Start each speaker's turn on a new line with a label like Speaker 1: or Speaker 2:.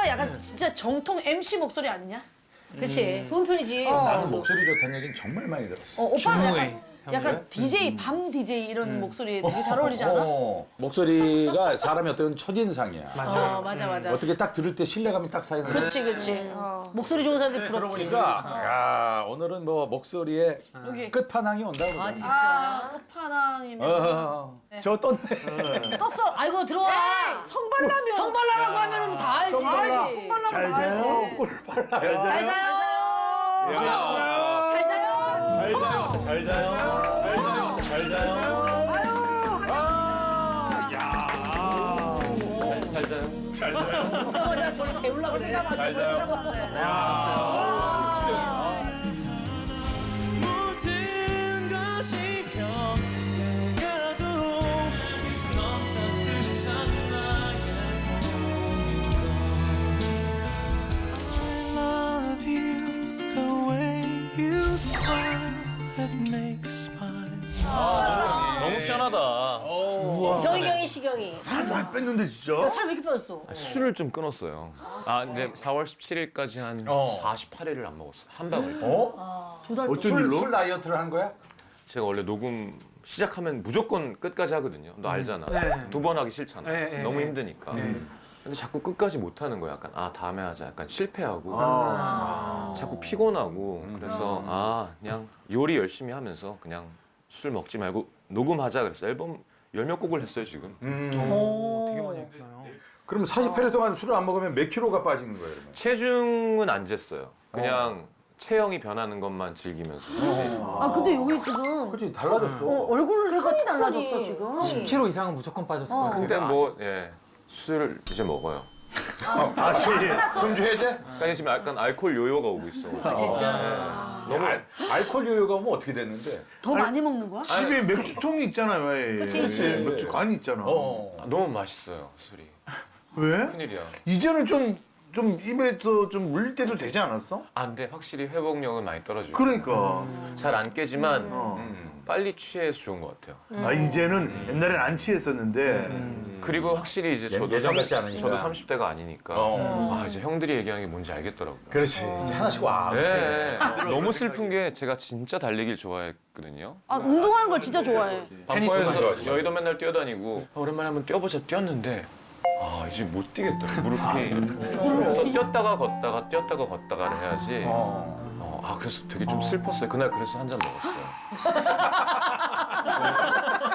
Speaker 1: 약간 진짜 정통 MC 목소리 아니냐?
Speaker 2: 그렇지. 좋은 편이지.
Speaker 3: 나는 목소리 좋다는 얘기는 정말 많이 들었어.
Speaker 1: 오빠는 약간 DJ, 밤 DJ 이런 목소리 되게 잘 어울리지 않아?
Speaker 3: 목소리가 사람의 어떤 첫인상이야.
Speaker 2: 맞아. 맞아.
Speaker 3: 어떻게 딱 들을 때 신뢰감이 딱 쌓이는 거야.
Speaker 1: 그치.
Speaker 2: 목소리 좋은 사람들 부럽지.
Speaker 3: 그러니까 야, 오늘은 뭐 목소리의
Speaker 1: 여기.
Speaker 3: 끝판왕이 온다 그러더니.
Speaker 1: 끝판왕이면.
Speaker 3: 저 떴네.
Speaker 1: 떴어.
Speaker 2: 아이고 들어와.
Speaker 1: 성발라면.
Speaker 2: 성발라라고 하면은 다 알지.
Speaker 1: 성발라.
Speaker 3: 잘 자요. 꿀빨라.
Speaker 2: 잘 자요. 잘 자요.
Speaker 3: 잘 자요. 잘 자요.
Speaker 2: 저거 저리 재우려고 생각하지.
Speaker 3: 잘 자요.
Speaker 4: 모든 것이 변해가도 넌 따뜻한 나의 I love you the way you smile that makes my
Speaker 5: 너무 편하다.
Speaker 2: 경이 시경이.
Speaker 6: 살 많이 뺐는데 진짜?
Speaker 2: 살 왜 이렇게 빠졌어?
Speaker 5: 술을 좀 끊었어요. 아, 근데 4월 17일까지 한 48일을 안 먹었어요. 한 방울.
Speaker 6: 어쩐 일로?
Speaker 3: 술 다이어트를 한 거야?
Speaker 5: 제가 원래 녹음 시작하면 무조건 끝까지 하거든요. 너 알잖아. 두 번 하기 싫잖아. 너무 힘드니까. 근데 자꾸 끝까지 못 하는 거야. 약간 아 다음에 하자. 약간 실패하고 자꾸 피곤하고 그래서 그냥 요리 열심히 하면서 그냥 술 먹지 말고 녹음하자 그랬어. 앨범 열 몇 곡을 했어요 지금.
Speaker 6: 되게 많이 했구나요.
Speaker 3: 그럼 48일 동안 술을 안 먹으면 몇 킬로가 빠지는 거예요? 그러면?
Speaker 5: 체중은 안 쟀어요. 그냥 체형이 변하는 것만 즐기면서.
Speaker 1: 근데 여기 지금
Speaker 3: 그렇지 달라졌어.
Speaker 1: 얼굴이 달라졌어 지금.
Speaker 7: 10kg 이상은 무조건 빠졌을 것 같아요.
Speaker 5: 근데 뭐 술을 이제 먹어요.
Speaker 3: 다시 금주 해제?
Speaker 5: 그러니까 지금 약간 알코올 요요가 오고 있어.
Speaker 2: 진짜.
Speaker 5: 너무
Speaker 3: 알코올 요요가 오면 어떻게 됐는데?
Speaker 1: 더 많이 먹는 거야?
Speaker 6: 집에 맥주통이 있잖아요. 왜?
Speaker 2: 그치.
Speaker 6: 맥주 관이 있잖아.
Speaker 5: 너무 맛있어요 술이.
Speaker 6: 왜?
Speaker 5: 큰일이야.
Speaker 6: 이제는 좀 입에서 좀 물릴 때도 되지 않았어?
Speaker 5: 아 근데 확실히 회복력은 많이 떨어지고.
Speaker 6: 그러니까.
Speaker 5: 잘 안 깨지만 빨리 취해서 좋은 것 같아요.
Speaker 6: 아 이제는 옛날엔 안 취했었는데
Speaker 5: 그리고 확실히 이제 저도
Speaker 3: 예전 같지 않으니까.
Speaker 5: 저도 30대가 아니니까 아 이제 형들이 얘기하는 게 뭔지 알겠더라고요.
Speaker 3: 그렇지. 이제 하나씩 와.
Speaker 5: 네. 너무 슬픈 게 제가 진짜 달리기를 좋아했거든요.
Speaker 1: 운동하는 걸 진짜 좋아해.
Speaker 5: 밤거에서 여의도 맨날 뛰어다니고 오랜만에 한번 뛰어보자 뛰었는데 이제 못 뛰겠더라고 무릎이. 그래서 뛰었다가 걷다가를 해야지. 그래서 되게 좀 슬펐어요. 그날 그래서 한 잔 먹었어요.